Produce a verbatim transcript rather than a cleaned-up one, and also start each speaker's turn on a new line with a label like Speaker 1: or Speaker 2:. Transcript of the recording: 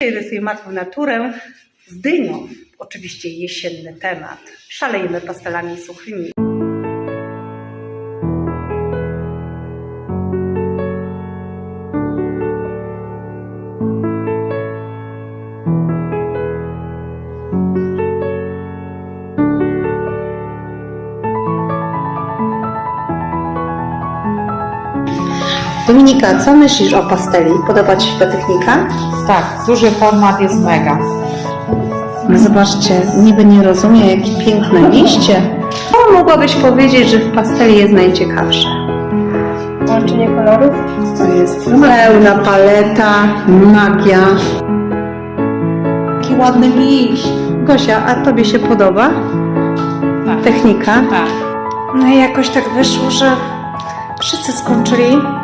Speaker 1: Rysuję martwą naturę z dynią. Oczywiście jesienny temat. Szalejemy pastelami suchymi. Dominika, co myślisz o pasteli? Podoba Ci się ta technika?
Speaker 2: Tak, duży format jest mega.
Speaker 1: Zobaczcie, niby nie rozumie, jakie piękne liście. Co mogłabyś powiedzieć, że w pasteli jest najciekawsze?
Speaker 3: Łączenie kolorów?
Speaker 1: To jest pełna paleta, magia. Jaki ładny liść. Gosia, a Tobie się podoba
Speaker 2: Tak.
Speaker 1: technika?
Speaker 2: Tak.
Speaker 3: No i jakoś tak wyszło, że wszyscy skończyli